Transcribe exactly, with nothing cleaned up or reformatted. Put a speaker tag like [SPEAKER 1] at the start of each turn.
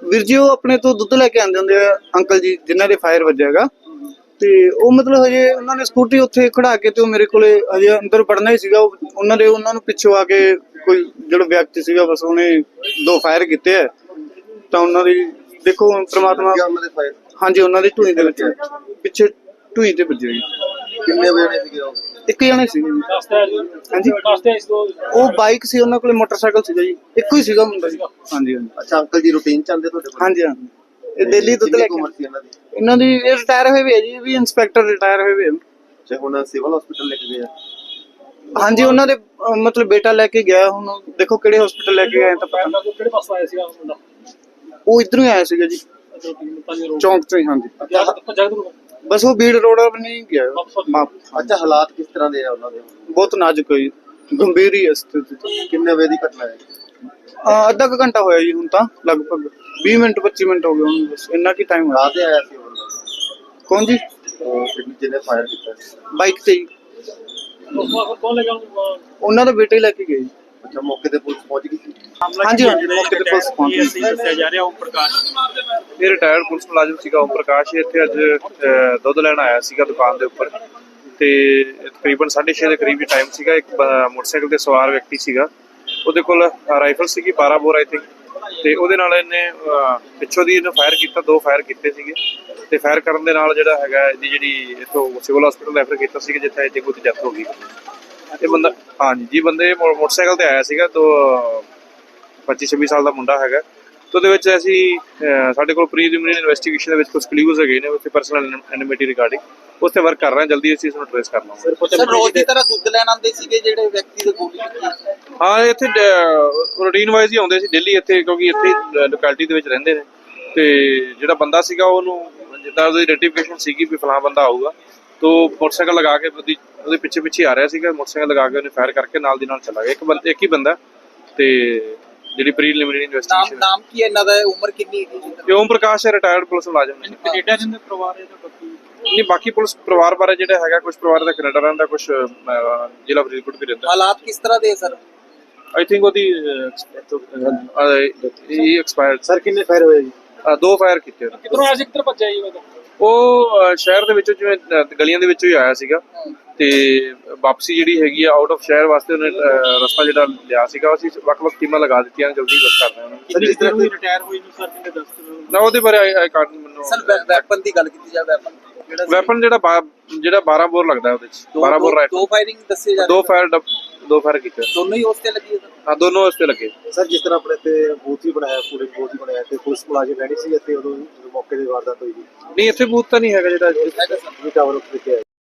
[SPEAKER 1] ਵੀਰ ਜੀ ਉਹ ਆਪਣੇ ਤੋਂ ਦੁੱਧ ਲੈ ਕੇ ਆਉਂਦੇ ਹੁੰਦੇ ਆ ਅੰਕਲ ਜੀ ਜਿਨ੍ਹਾਂ ਦੇ ਫਾਇਰ ਵੱਜਿਆ ਹੈਗਾ ਤੇ ਉਹ ਮਤਲਬ ਹਜੇ ਉਹਨਾਂ ਨੇ ਸਕੂਟਰੀ ਉੱਥੇ ਖੜਾ ਕੇ ਤੇ ਉਹ ਮੇਰੇ ਕੋਲੇ ਹਜੇ ਅੰਦਰ ਵੜਨਾ ਹੀ ਸੀਗਾ। ਉਹਨਾਂ ਦੇ ਉਹਨਾਂ ਨੂੰ ਪਿੱਛੋਂ ਆ ਕੇ ਕੋਈ ਜਿਹੜਾ ਵਿਅਕਤੀ ਸੀਗਾ ਬਸ ਉਹਨੇ ਦੋ ਫਾਇਰ ਕੀਤੇ ਆ ਤਾਂ ਉਹਨਾਂ ਦੀ ਦੇਖੋ ਪ੍ਰਮਾਤਮਾ ਹਾਂਜੀ ਉਹਨਾਂ ਦੀ ਢੂਈ ਦੇ ਵਿੱਚ ਪਿੱਛੇ ਢੂਈ ਤੇ ਵੱਜੇ।
[SPEAKER 2] ਕਿੰਨੇ ਵਜੇ ਸੀਗੇ ਉਹ?
[SPEAKER 1] ਇੱਕ ਜਣੇ ਸੀਗੇ ਜੀ। ਹਾਂਜੀ ਉਹ ਬਾਈਕ ਸੀ ਉਹਨਾਂ ਕੋਲੇ ਮੋਟਰਸਾਈਕਲ ਸੀਗਾ ਜੀ ਇੱਕੋ ਹੀ ਸੀਗਾ ਮੁੰਡਾ ਜੀ। ਹਾਂਜੀ ਹਾਂਜੀ।
[SPEAKER 2] ਅੱਛਾ ਅੰਕਲ ਜੀ ਰੂਟੀਨ ਚ ਆਉਂਦੇ ਤੁਹਾਡੇ ਕੋਲ? ਹਾਂਜੀ
[SPEAKER 1] ਹਾਂਜੀ ਇਹ ਦਿੱਲੀ ਦੁੱਧ ਲੈ ਕੇ ਇਹਨਾਂ ਦੀ ਇਹ ਰਿਟਾਇਰ ਹੋਏ ਵੀ ਹੈ ਜੀ ਵੀ ਇੰਸਪੈਕਟਰ ਰਿਟਾਇਰ ਹੋਏ ਵੀ।
[SPEAKER 2] ਅੱਛਾ ਹੁਣ ਸਿਵਲ ਹਸਪੀਟਲ ਲੈ ਕੇ ਗਏ ਆ?
[SPEAKER 1] ਹਾਂਜੀ ਉਹਨਾਂ ਦੇ ਮਤਲਬ ਬੇਟਾ ਲੈ ਕੇ ਗਿਆ ਹੁਣ ਦੇਖੋ ਕਿਹੜੇ ਹਸਪੀਟਲ ਲੈ ਕੇ ਗਏ ਤਾਂ ਪਤਾ ਨਹੀਂ।
[SPEAKER 3] ਕਿਹੜੇ ਪਾਸੋਂ ਆਇਆ ਸੀਗਾ ਮੁੰਡਾ?
[SPEAKER 1] ਉਹ ਇਧਰੋਂ ਹੀ ਆਇਆ ਸੀਗਾ ਜੀ ਚੌਂਕ ਤੋਂ ਹੀ। ਹਾਂਜੀ ਬਸ ਉਹ ਬੀੜ ਰੋਡ ਨਹੀਂ ਗਿਆ।
[SPEAKER 2] ਅੱਛਾ ਹਾਲਾਤ ਕਿਸ ਤਰ੍ਹਾਂ ਦੇ ਆ ਉਹਨਾਂ ਦੇ?
[SPEAKER 1] ਬਹੁਤ ਨਾਜ਼ੁਕ ਹੈ ਜੀ ਗੰਭੀਰ ਹੀ ਹੈ ਸਥਿਤੀ।
[SPEAKER 2] ਕਿੰਨੇ ਵਜੇ ਦੀ ਘਟਨਾ ਹੈ?
[SPEAKER 1] ਅੱਧਾ ਕੁ ਘੰਟਾ ਹੋਇਆ ਜੀ ਹੁਣ ਤਾਂ ਲਗਭਗ ਵੀਹ ਮਿੰਟ ਪੱਚੀ ਮਿੰਟ ਹੋ ਗਏ ਹੁਣ ਬਸ ਇੰਨਾ ਕੀ ਟਾਈਮ ਹੋਇਆ।
[SPEAKER 2] ਆਇਆ ਸੀ ਉਹਨਾਂ
[SPEAKER 1] ਕੌਣ ਜੀ?
[SPEAKER 2] ਜਿਹਨੇ ਫਾਇਰ ਕੀਤਾ
[SPEAKER 1] ਬਾਈਕ ਤੇ ਜੀ। ਉਹਨਾਂ ਦਾ ਬੇਟਾ ਹੀ ਲੈ ਕੇ ਗਏ ਜੀ।
[SPEAKER 2] ਅੱਛਾ ਮੌਕੇ ਤੇ ਪੁਲਿਸ ਪਹੁੰਚ ਗਈ ਸੀ?
[SPEAKER 1] ਹਾਂਜੀ ਹਾਂਜੀ ਮੌਕੇ ਤੇ ਪੁਲਿਸ ਪਹੁੰਚ ਗਈ ਸੀ।
[SPEAKER 3] ਦੱਸਿਆ ਜਾ ਰਿਹਾ ਓਮ ਪ੍ਰਕਾਸ਼
[SPEAKER 4] ਇਹ ਰਿਟਾਇਰਡ ਪੁਲਿਸ ਮੁਲਾਜ਼ਮ ਸੀਗਾ ਓਮ ਪ੍ਰਕਾਸ਼। ਇੱਥੇ ਅੱਜ ਦੁੱਧ ਲੈਣ ਆਇਆ ਸੀਗਾ ਦੁਕਾਨ ਦੇ ਉੱਪਰ ਤੇ ਤਕਰੀਬਨ ਸਾਢੇ ਛੇ ਦੇ ਕਰੀਬ ਟਾਈਮ ਸੀਗਾ। ਇੱਕ ਮੋਟਰਸਾਈਕਲ ਤੇ ਸਵਾਰ ਵਿਅਕਤੀ ਸੀਗਾ ਉਹਦੇ ਕੋਲ ਰਾਈਫਲ ਸੀਗੀ ਬਾਰਾਂ ਬੋਰ ਆਈ ਥਿੰਕ ਤੇ ਉਹਦੇ ਨਾਲ ਇਹਨੇ ਪਿੱਛੋਂ ਦੀ ਇਹਨੂੰ ਫਾਇਰ ਕੀਤਾ। ਦੋ ਫਾਇਰ ਕੀਤੇ ਸੀਗੇ ਤੇ ਫਾਇਰ ਕਰਨ ਦੇ ਨਾਲ ਜਿਹੜਾ ਹੈਗਾ ਇਹਦੀ ਜਿਹੜੀ ਇੱਥੋਂ ਸਿਵਲ ਹਸਪੀਟਲ ਰੈਫਰ ਕੀਤਾ ਸੀਗਾ ਜਿੱਥੇ ਇਹਦੀ ਕੋਈ ਡੈਥ ਹੋ ਗਈ। ਇਹ ਬੰਦਾ ਹਾਂਜੀ ਜੀ ਬੰਦੇ ਮੋਟਰਸਾਈਕਲ ਤੇ ਆਇਆ ਸੀਗਾ ਤੋਂ ਪੱਚੀ ਛੱਬੀ ਸਾਲ ਦਾ ਮੁੰਡਾ ਹੈਗਾ। ਤੇ ਉਹਦੇ ਵਿੱਚ ਅਸੀਂ ਸਾਡੇ ਕੋਲ ਪ੍ਰੀਲਿਮਿਨਰੀ ਇਨਵੈਸਟੀਗੇਸ਼ਨ ਦੇ ਵਿੱਚ ਕੁਝ ਕਲੂਜ਼ ਹੈਗੇ ਨੇ ਉੱਥੇ ਪਰਸਨਲ ਐਨਿਮਿਟੀ ਰਿਗਾਰਡਿੰਗ ਉਸ ਤੇ ਵਰਕ ਕਰ ਰਹੇ ਹਾਂ। ਜਲਦੀ ਅਸੀਂ ਇਸ ਨੂੰ ਟ੍ਰੇਸ ਕਰ ਲਵਾਂਗੇ।
[SPEAKER 2] ਸਰ ਰੋਜ਼ ਦੀ ਤਰ੍ਹਾਂ ਦੁੱਧ ਲੈਣ ਆਉਂਦੇ ਸੀਗੇ ਜਿਹੜੇ ਵਿਅਕਤੀ ਦੇ ਗੋਲੀ ਲੱਗੀ?
[SPEAKER 4] ਹਾਂ ਇੱਥੇ ਰੂਟੀਨ ਵਾਈਜ਼ ਹੀ ਆਉਂਦੇ ਸੀ ਡੇਲੀ ਇੱਥੇ ਕਿਉਂਕਿ ਇੱਥੇ ਲੋਕੈਲਿਟੀ ਦੇ ਵਿੱਚ ਰਹਿੰਦੇ ਨੇ ਤੇ ਜਿਹੜਾ ਬੰਦਾ ਸੀਗਾ ਉਹਨੂੰ ਜਿੱਦਾਂ ਉਹਦੀ ਆਈਡੈਂਟੀਫਿਕੇਸ਼ਨ ਸੀਗੀ ਵੀ ਫਲਾਂ ਬੰਦਾ ਆਊਗਾ ਤੋ ਮੋਟਰਸਾਈਕਲ ਲਗਾ ਕੇ ਉਹਦੀ ਉਹਦੇ ਪਿੱਛੇ ਪਿੱਛੇ ਆ ਰਿਹਾ ਸੀਗਾ। ਮੋਟਰਸਾਈਕਲ ਲਗਾ ਕੇ ਉਹਨੇ ਫਾਇਰ ਕਰਕੇ ਨਾਲ ਦੀ ਨਾਲ ਚਲਾ ਗਿਆ। ਇੱਕ ਬੰਦਾ ਇੱਕ ਹੀ ਬੰਦਾ ਤੇ ਜਿਹੜੀ ਪ੍ਰੀਲਿਮਿਨਰੀ ਇਨਵੈਸਟੀਗੇਸ਼ਨ।
[SPEAKER 2] ਨਾਮ ਕੀ ਹੈ ਇਹਨਾਂ ਦਾ? ਉਮਰ ਕਿੰਨੀ ਹੈ ਜੀ?
[SPEAKER 4] ਓਮ ਪ੍ਰਕਾਸ਼ ਰਿਟਾਇਰਡ ਪੁਲਿਸ ਮੁਲਾਜ਼ਮ ਨੇ।
[SPEAKER 3] ਕੈਨੇਡਾ ਦੇ ਪਰਿਵਾਰ ਹੈ ਤਾਂ ਬਾਕੀ
[SPEAKER 4] ਨਹੀਂ ਬਾਕੀ ਪੁਲਿਸ ਪਰਿਵਾਰ ਬਾਰੇ ਜਿਹੜਾ ਹੈਗਾ ਕੁਝ ਪਰਿਵਾਰ ਦਾ ਕੈਨੇਡਾ ਰਹਿੰਦਾ ਕੁਝ ਜ਼ਿਲ੍ਹਾ ਫਰੀਦਕੋਟ ਵੀ ਰਹਿੰਦਾ।
[SPEAKER 2] ਹਾਲਾਤ ਕਿਸ ਤਰ੍ਹਾਂ ਦੇ ਸਰ?
[SPEAKER 4] ਆਈ ਥਿੰਕ ਉਹਦੀ ਇਹ ਐਕਸਪਾਇਰਡ।
[SPEAKER 2] ਸਰ ਕਿੰਨੇ ਫਾਇਰ ਹੋਏ ਜੀ?
[SPEAKER 4] ਦੋ ਫਾਇਰ ਕੀਤੇ ਉਹਨੇ।
[SPEAKER 3] ਕਿਧਰੋਂ ਆਇਆ ਸੀ ਕਿੱਧਰ ਭੱਜਿਆ ਜੀ ਉਹ?
[SPEAKER 4] ਉਹ ਸ਼ਹਿਰ ਦੇ ਵਿੱਚੋਂ ਜਿਵੇਂ ਗਲੀਆਂ ਦੇ ਵਿੱਚੋਂ ਹੀ ਆਇਆ ਸੀਗਾ ਤੇ ਵਾਪਸੀ ਜਿਹੜੀ ਹੈਗੀ ਆ ਆਊਟ ਆਫ ਸ਼ਹਿਰ ਵਾਸਤੇ ਉਹਨੇ ਰਸਤਾ ਜਿਹੜਾ ਲਿਆ ਸੀਗਾ ਅਸੀਂ ਵੱਖ-ਵੱਖ ਟੀਮਾਂ ਲਗਾ ਦਿੱਤੀਆਂ ਜਲਦੀ ਵਰਕ ਕਰ ਰਹੇ ਹਾਂ।
[SPEAKER 3] ਜਿਸ ਤਰ੍ਹਾਂ ਵੀ ਰਿਟਾਇਰ ਹੋਈ ਨੂੰ ਸਰ ਕਿੰਨੇ ਦੱਸ
[SPEAKER 4] ਨਾ ਉਹਦੇ ਬਾਰੇ ਆਈ ਕਾਰਡ ਮੈਨੂੰ
[SPEAKER 2] ਸਰ ਵੈਪਨ ਦੀ ਗੱਲ ਕੀਤੀ ਜਾਵੇ ਵੈਪਨ ਜਿਹੜਾ
[SPEAKER 4] ਵੈਪਨ ਜਿਹੜਾ ਜਿਹੜਾ ਬਾਰਾਂ ਬੋਰ ਲੱਗਦਾ ਉਹਦੇ ਚ ਬਾਰਾਂ ਬੋਰ ਰਾਈਫਲ।
[SPEAKER 2] ਦੋ ਫਾਇਰਿੰਗ ਦੱਸੇ ਜਾ
[SPEAKER 4] ਦੋ ਫਾਇਰ ਦੋ ਫਾਇਰ ਕੀਤੇ
[SPEAKER 2] ਦੋਨੋਂ ਹੀ ਉਸ ਤੇ ਲੱਗੀ ਹੈ?
[SPEAKER 4] ਹਾਂ ਦੋਨੋਂ ਉਸ ਤੇ ਲੱਗੇ।
[SPEAKER 2] ਸਰ ਜਿਸ ਤਰ੍ਹਾਂ ਆਪਣੇ ਤੇ ਬੂਥ ਹੀ ਬਣਾਇਆ ਪੂਰੇ ਬੂਥ ਹੀ ਬਣਾਇਆ ਤੇ ਪੁਲਿਸ ਮੁਲਾਜ਼ਮ ਰਹਿਣੀ ਸੀ ਇੱਥੇ ਉਦੋਂ ਮੌਕੇ ਦੀ ਵਾਰਦਾਤ ਹੋਈ ਜੀ?
[SPEAKER 4] ਨਹੀਂ ਇੱਥੇ ਬੂਥ ਤਾਂ ਨਹੀਂ ਹੈਗਾ ਜਿਹੜਾ
[SPEAKER 2] ਟਾਵਰ ਉੱਤੇ